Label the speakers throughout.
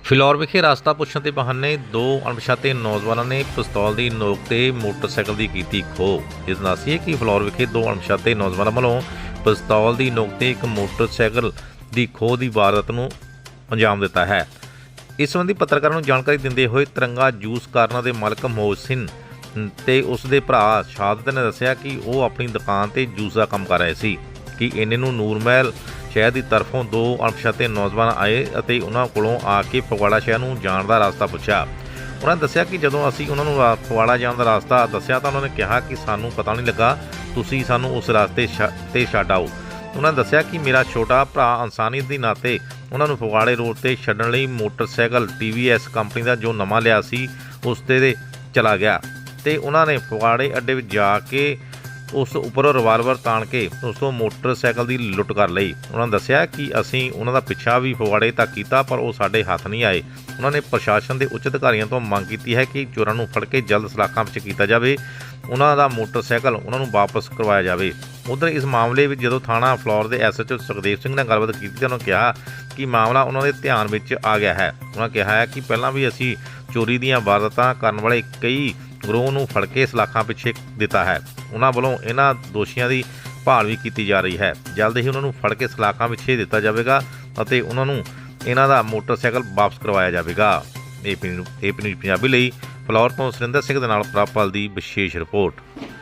Speaker 1: ਫਿਲੌਰ ਵਿਖੇ ਰਸਤਾ ਪੁੱਛਣ ਦੇ ਬਹਾਨੇ ਦੋ ਅਣਪਛਾਤੇ ਨੌਜਵਾਨਾਂ ਨੇ ਪਿਸਤੌਲ ਦੀ ਨੋਕ ਤੇ ਮੋਟਰਸਾਈਕਲ ਦੀ ਕੀਤੀ ਖੋਹ। ਇਸ ਦੱਸੀਏ ਕਿ ਫਿਲੌਰ ਵਿਖੇ ਦੋ ਅਣਪਛਾਤੇ ਨੌਜਵਾਨਾਂ ਵੱਲੋਂ ਪਿਸਤੌਲ ਦੀ ਨੋਕ ਤੇ ਇੱਕ ਮੋਟਰਸਾਈਕਲ ਦੀ ਖੋਹ ਦੀ ਵਾਰਦਾਤ ਨੂੰ ਅੰਜਾਮ ਦਿੱਤਾ ਹੈ। ਇਸ ਸੰਬੰਧੀ ਪੱਤਰਕਾਰਾਂ ਨੂੰ ਜਾਣਕਾਰੀ ਦਿੰਦੇ ਹੋਏ ਤਿਰੰਗਾ ਜੂਸ ਕਾਰਨਾਂ ਦੇ ਮਾਲਕ ਮੋਹਸਿਨ ਤੇ ਉਸ ਦੇ ਭਰਾ ਸ਼ਹਾਦਤ ਨੇ ਦੱਸਿਆ ਕਿ ਉਹ ਆਪਣੀ ਦੁਕਾਨ ਤੇ ਜੂਸ ਦਾ ਕੰਮ ਕਰ ਰਹੇ ਸੀ ਕਿ ਇੰਨੇ ਨੂੰ ਨੂਰਮਹਿਲ ਸ਼ਹਿਰ ਦੀ ਤਰਫੋਂ ਦੋ ਅਣਪਛਾਤੇ ਨੌਜਵਾਨ ਆਏ ਅਤੇ ਉਹਨਾਂ ਕੋਲੋਂ ਆ ਕੇ ਫਗਵਾੜਾ ਸ਼ਹਿਰ ਨੂੰ ਜਾਣ ਦਾ ਰਸਤਾ ਪੁੱਛਿਆ। ਉਹਨਾਂ ਨੇ ਦੱਸਿਆ ਕਿ ਜਦੋਂ ਅਸੀਂ ਉਹਨਾਂ ਨੂੰ ਫਗਵਾੜਾ ਜਾਣ ਦਾ ਰਸਤਾ ਦੱਸਿਆ ਤਾਂ ਉਹਨਾਂ ਨੇ ਕਿਹਾ ਕਿ ਸਾਨੂੰ ਪਤਾ ਨਹੀਂ ਲੱਗਾ, ਤੁਸੀਂ ਸਾਨੂੰ ਉਸ ਰਸਤੇ ਤੇ ਛੱਡ ਆਓ। ਉਹਨਾਂ ਨੇ ਦੱਸਿਆ ਕਿ ਮੇਰਾ ਛੋਟਾ ਭਰਾ ਇਨਸਾਨੀਅਤ ਦੇ ਨਾਤੇ ਉਹਨਾਂ ਨੂੰ ਫਗਵਾੜੇ ਰੋਡ ਤੇ ਛੱਡਣ ਲਈ ਮੋਟਰਸਾਈਕਲ TVS ਕੰਪਨੀ ਦਾ ਜੋ ਨਵਾਂ ਲਿਆ ਸੀ ਉਸ ਤੇ ਚਲਾ ਗਿਆ ਤੇ ਉਹਨਾਂ ਨੇ ਫਗਵਾੜੇ ਅੱਡੇ ਵਿੱਚ ਜਾ ਕੇ ਉਸ ਉੱਪਰੋਂ ਰਿਵਾਲਵਰ ਤਾਣ ਕੇ ਉਸ ਤੋਂ ਮੋਟਰਸਾਈਕਲ ਦੀ ਲੁੱਟ ਕਰ ਲਈ। ਉਹਨਾਂ ਨੇ ਦੱਸਿਆ ਕਿ ਅਸੀਂ ਉਹਨਾਂ ਦਾ ਪਿੱਛਾ ਵੀ ਫਗਵਾੜੇ ਤੱਕ ਕੀਤਾ ਪਰ ਉਹ ਸਾਡੇ ਹੱਥ ਨਹੀਂ ਆਏ। ਉਹਨਾਂ ਨੇ ਪ੍ਰਸ਼ਾਸਨ ਦੇ ਉੱਚ ਅਧਿਕਾਰੀਆਂ ਤੋਂ ਮੰਗ ਕੀਤੀ ਹੈ ਕਿ ਚੋਰਾਂ ਨੂੰ ਫੜ ਕੇ ਜਲਦ ਸਲਾਖਾਂ ਵਿੱਚ ਕੀਤਾ ਜਾਵੇ, ਉਹਨਾਂ ਦਾ ਮੋਟਰਸਾਈਕਲ ਉਹਨਾਂ ਨੂੰ ਵਾਪਸ ਕਰਵਾਇਆ ਜਾਵੇ। ਉੱਧਰ ਇਸ ਮਾਮਲੇ ਵਿੱਚ ਜਦੋਂ ਥਾਣਾ ਫਲੌਰ ਦੇ SHO ਸੁਖਦੇਵ ਸਿੰਘ ਨਾਲ ਗੱਲਬਾਤ ਕੀਤੀ ਤਾਂ ਉਹਨਾਂ ਕਿਹਾ ਕਿ ਮਾਮਲਾ ਉਹਨਾਂ ਦੇ ਧਿਆਨ ਵਿੱਚ ਆ ਗਿਆ ਹੈ। ਉਹਨਾਂ ਕਿਹਾ ਹੈ ਕਿ ਪਹਿਲਾਂ ਵੀ ਅਸੀਂ ਚੋਰੀ ਦੀਆਂ ਵਾਰਦਾਤਾਂ ਕਰਨ ਵਾਲੇ ਕਈ ਗਰੋਹ ਨੂੰ ਫੜ ਕੇ ਸਲਾਖਾਂ ਪਿੱਛੇ ਦਿੱਤਾ ਹੈ। ਉਹਨਾਂ ਵੱਲੋਂ ਇਹਨਾਂ ਦੋਸ਼ੀਆਂ ਦੀ ਭਾਲ ਵੀ ਕੀਤੀ ਜਾ ਰਹੀ ਹੈ। ਜਲਦ ਹੀ ਉਹਨਾਂ ਨੂੰ ਫੜ ਕੇ ਸਲਾਖਾਂ ਪਿੱਛੇ ਦਿੱਤਾ ਜਾਵੇਗਾ ਅਤੇ ਉਹਨਾਂ ਨੂੰ ਇਹਨਾਂ ਦਾ ਮੋਟਰਸਾਈਕਲ ਵਾਪਸ ਕਰਵਾਇਆ ਜਾਵੇਗਾ। AP ਨਿਊਜ਼ ਪੰਜਾਬੀ ਲਈ ਫਲੌਰ ਤੋਂ ਸੁਰਿੰਦਰ ਸਿੰਘ ਦੇ ਨਾਲ ਪ੍ਰਾਪਲ ਦੀ ਵਿਸ਼ੇਸ਼ ਰਿਪੋਰਟ।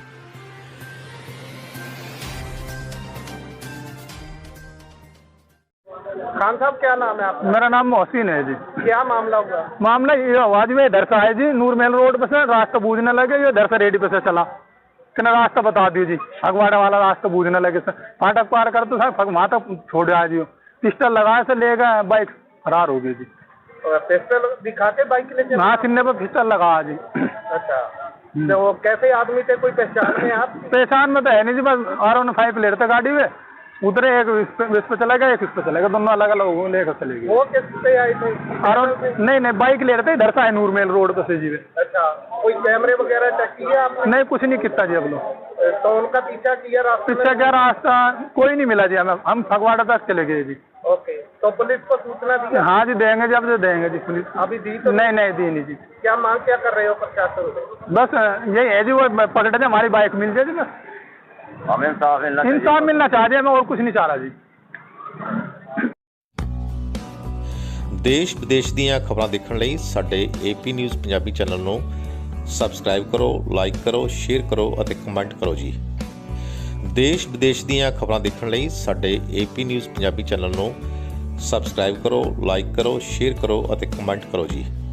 Speaker 2: खान साहब क्या नाम है आपका?
Speaker 3: मेरा नाम मोहसिन है जी।
Speaker 2: क्या मामला हुआ?
Speaker 3: मामला ये आवाज में इधर से आए जी, नूरमहल रोड पे से रास्ता बूझने लगे, ये इधर से रेडी पे से चला कि ना रास्ता बता दीजिए, फगवाड़ा वाला रास्ता बूझने लगे सर, फाटक पार कर तो सर वहाँ तक छोड़ आए जी। पिस्टल लगाए से ले गए, बाइक फरार हो गई जी।
Speaker 2: पिस्टल दिखा के बाइक ले चले?
Speaker 3: हाँ, सीने पे पिस्टल लगा जी।
Speaker 2: अच्छा, तो वो कैसे आदमी थे, कोई पहचान में आप?
Speaker 3: पहचान में तो है नहीं जी, बस R15 ले रहे थे गाड़ी में, उधर एक इस पे चला गया, एक इस पे चला गया, दोनों अलग अलग लेकर चले गए।
Speaker 2: वो किस पे आए थे?
Speaker 3: नहीं बाइक ले रहे थे, इधर से आए नूरमहल रोड पे से जी।
Speaker 2: अच्छा, कोई कैमरे वगैरह चेक किया आपने?
Speaker 3: नहीं, कुछ नहीं किया जी अब लोग।
Speaker 2: तो उनका पीछा किया रास्ते में?
Speaker 3: पीछा क्या रास्ता कोई नहीं मिला जी, हमें हम फगवाड़ा तक चले गए जी।
Speaker 2: ओके, तो पुलिस को सूचना दी?
Speaker 3: हाँ जी, देंगे जब जो देंगे जी पुलिस।
Speaker 2: अभी दी तो
Speaker 3: नहीं दी नहीं जी।
Speaker 2: क्या मांग क्या कर रहे हो प्रशासन से?
Speaker 3: बस यही है जी, वो पकड़े थे, हमारी बाइक मिल जाए जी, बस
Speaker 2: हमें
Speaker 3: इंसाफ मिलना चाहिए, हमें और कुछ नहीं चाह रहा जी।
Speaker 1: ਦੇਸ਼ ਵਿਦੇਸ਼ ਦੀਆਂ ਖਬਰਾਂ ਦੇਖਣ ਲਈ ਸਾਡੇ AP ਨਿਊਜ਼ ਪੰਜਾਬੀ ਚੈਨਲ ਨੂੰ ਸਬਸਕ੍ਰਾਈਬ ਕਰੋ, ਲਾਈਕ ਕਰੋ, ਸ਼ੇਅਰ ਕਰੋ ਅਤੇ ਕਮੈਂਟ ਕਰੋ ਜੀ। ਦੇਸ਼ ਵਿਦੇਸ਼ ਦੀਆਂ ਖਬਰਾਂ ਦੇਖਣ ਲਈ ਸਾਡੇ AP ਨਿਊਜ਼ ਪੰਜਾਬੀ ਚੈਨਲ ਨੂੰ ਸਬਸਕ੍ਰਾਈਬ ਕਰੋ, ਲਾਈਕ ਕਰੋ, ਸ਼ੇਅਰ ਕਰੋ ਅਤੇ ਕਮੈਂਟ ਕਰੋ ਜੀ।